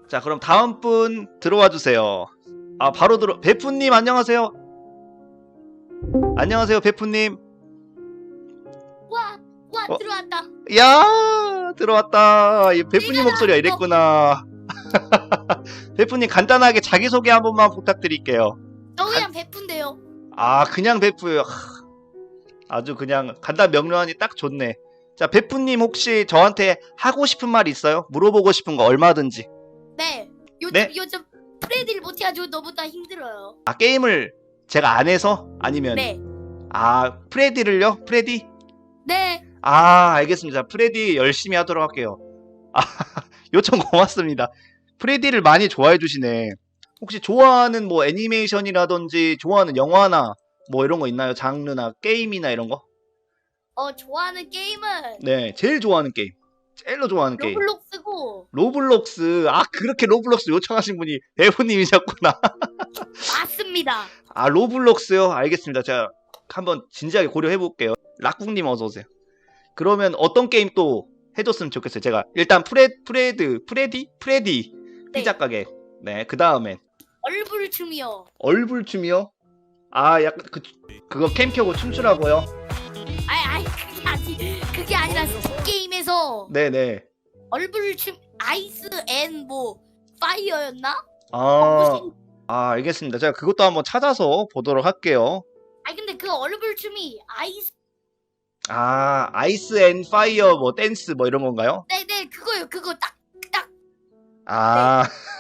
자, 그럼 다음 분 들어와 주세요. 아, 바로 베프님 안녕하세요. 안녕하세요, 베프님. 와, 어? 들어왔다. 야, 들어왔다. 이 베프님 내가 목소리가 나왔어. 이랬구나. 베프님 간단하게 자기소개 한 번만 부탁드릴게요. 저 그냥 베푼데요. 아, 그냥 베프요. 아주 그냥 간단 명료하니 딱 좋네. 자, 베프님 혹시 저한테 하고 싶은 말 있어요? 물어보고 싶은 거 얼마든지. 네. 네? 요즘 프레디를 못해가지고 너보다 힘들어요. 아, 게임을 제가 안 해서? 아니면 네. 아, 프레디를요? 프레디? 네. 아, 알겠습니다. 프레디 열심히 하도록 할게요. 아, 요청 고맙습니다. 프레디를 많이 좋아해 주시네. 혹시 좋아하는 뭐 애니메이션이라든지 좋아하는 영화나 뭐 이런 거 있나요? 장르나 게임이나 이런 거? 좋아하는 게임은 네, 제일 좋아하는 게임. 제일로 좋아하는 게임. 로블록스고. 로블록스. 아, 그렇게 로블록스 요청하신 분이 배우님이셨구나. 맞습니다. 아, 로블록스요? 알겠습니다. 제가 한번 진지하게 고려해 볼게요. 락국님 어서 오세요. 그러면 어떤 게임 또 해줬으면 좋겠어요. 제가 일단 프레디 네. 피자 가게. 네, 그 다음엔 얼굴춤이요. 얼굴춤이요. 아, 약간 그거 캠 켜고 춤추라고요. 아이 그게 아니라 게임에서 네네. 얼굴춤 아이스 앤 뭐 파이어였나? 아, 알겠습니다. 제가 그것도 한번 찾아서 보도록 할게요. 아니 근데 그 얼굴춤이 아이스. 아, 아이스 앤 파이어 뭐 댄스 뭐 이런 건가요? 네네 그거요. 그거 딱. 아,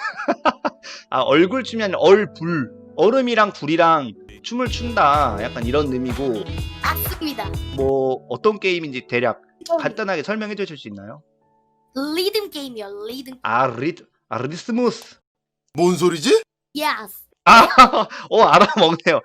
아, 얼굴춤이 아니라 얼불. 얼음이랑 불이랑 춤을 춘다. 약간 이런 의미고, 맞습니다. 뭐 어떤 게임인지 대략 간단하게 설명해 주실 수 있나요? 리듬 게임이요. 리듬. 아, 리스무스. 뭔 소리지? 예스. 아, 알아먹네요.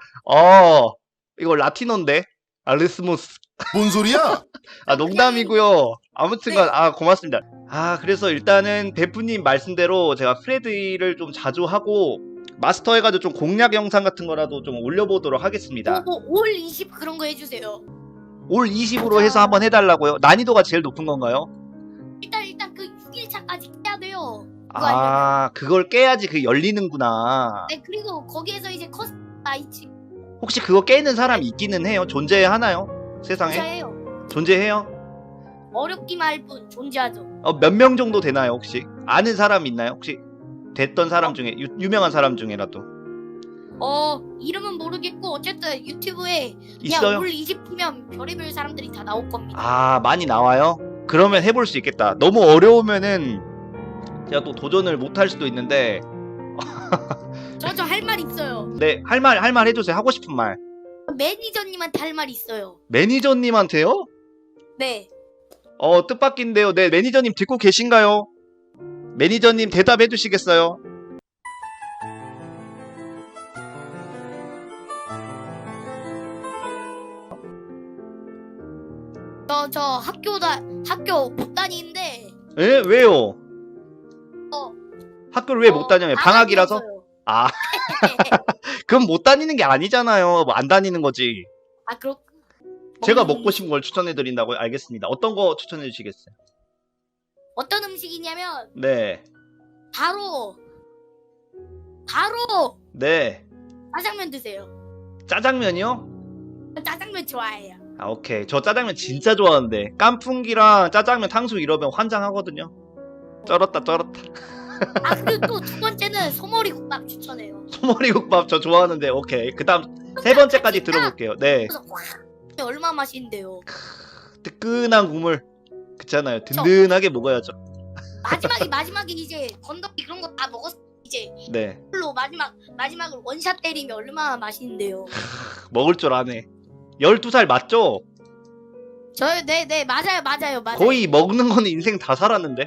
이거 라틴어인데? 아, 리스무스. 뭔 소리야? 아, 농담이고요. 아무튼간, 네. 아, 고맙습니다. 아, 그래서 일단은 베프님 말씀대로 제가 프레드를 좀 자주 하고, 마스터 해가지고 좀 공략 영상 같은 거라도 좀 올려보도록 하겠습니다. 올 20 그런 거 해주세요. 올 20으로 해서 한번 해달라고요? 난이도가 제일 높은 건가요? 일단 그 6일차까지 해야 돼요. 그거 아, 그걸 깨야지 그게 열리는구나. 네, 그리고 거기에서 이제 커스터마이즈 혹시 그거 깨는 사람이 있기는 해요? 존재하나요? 세상에? 존재해요. 존재해요? 어렵기만 할 뿐 존재하죠. 몇 명 정도 되나요, 혹시? 아는 사람 있나요? 혹시 됐던 사람 중에, 유명한 사람 중에라도. 이름은 모르겠고 어쨌든 유튜브에 그냥 있어요? 올 20이면 별의별 사람들이 다 나올 겁니다. 아, 많이 나와요? 그러면 해볼 수 있겠다. 너무 어려우면은 제가 또 도전을 못 할 수도 있는데, 저 할 말 있어요. 네, 할 말 해주세요. 하고 싶은 말. 매니저님한테 할 말 있어요. 매니저님한테요? 네. 뜻밖인데요. 네, 매니저님 듣고 계신가요? 매니저님 대답해 주시겠어요? 저 학교 못 다니는데 에? 왜요? 어, 학교를 왜 못 다녀요? 방학이라서? 방학이었어요. 아, 그럼 못 다니는 게 아니잖아요. 뭐 안 다니는 거지. 아 그렇. 제가 먹고 싶은 걸 추천해 드린다고요? 알겠습니다. 어떤 거 추천해 주시겠어요? 어떤 음식이냐면 네. 바로 네. 짜장면 드세요. 짜장면이요? 저 짜장면 좋아해요. 아, 오케이. 저 짜장면 진짜 좋아하는데. 깐풍기랑 짜장면 탕수육 이러면 환장하거든요. 쩔었다. 아 그리고 또 두 번째는 소머리 국밥 추천해요. 소머리국밥 저 좋아하는데. 오케이. 그 다음 세 번째까지 들어볼게요. 네. 그래서 확 얼마 맛있는데요. 뜨끈한 국물. 그렇잖아요. 든든하게 먹어야죠. 마지막에 이제 건더기 그런 거 다 먹었. 이제 네. 이걸로 마지막으로 원샷 때리면 얼마나 맛있는데요. 먹을 줄 아네. 12살 맞죠? 네 맞아요. 거의 먹는 거는 인생 다 살았는데.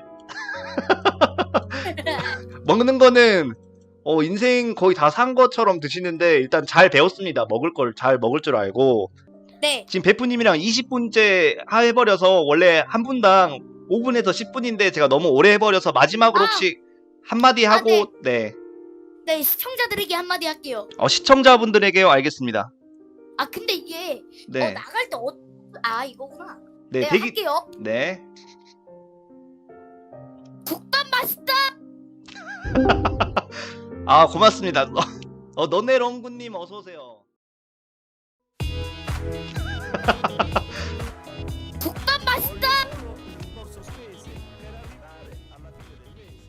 먹는 거는 인생 거의 다 산 것처럼 드시는데 일단 잘 배웠습니다. 먹을 걸 잘 먹을 줄 알고. 네. 지금 베프님이랑 20분째 해버려서 원래 한 분당 5분에서 10분인데 제가 너무 오래 해버려서 마지막으로 혹시 한마디 하고 네. 네 시청자들에게 한마디 할게요. 시청자분들에게요. 알겠습니다. 아 근데 이게 네. 나갈 때 이거구나. 네, 네 할게요. 네. 국밥 맛있다. 아 고맙습니다. 너네 렁구님 어서 오세요.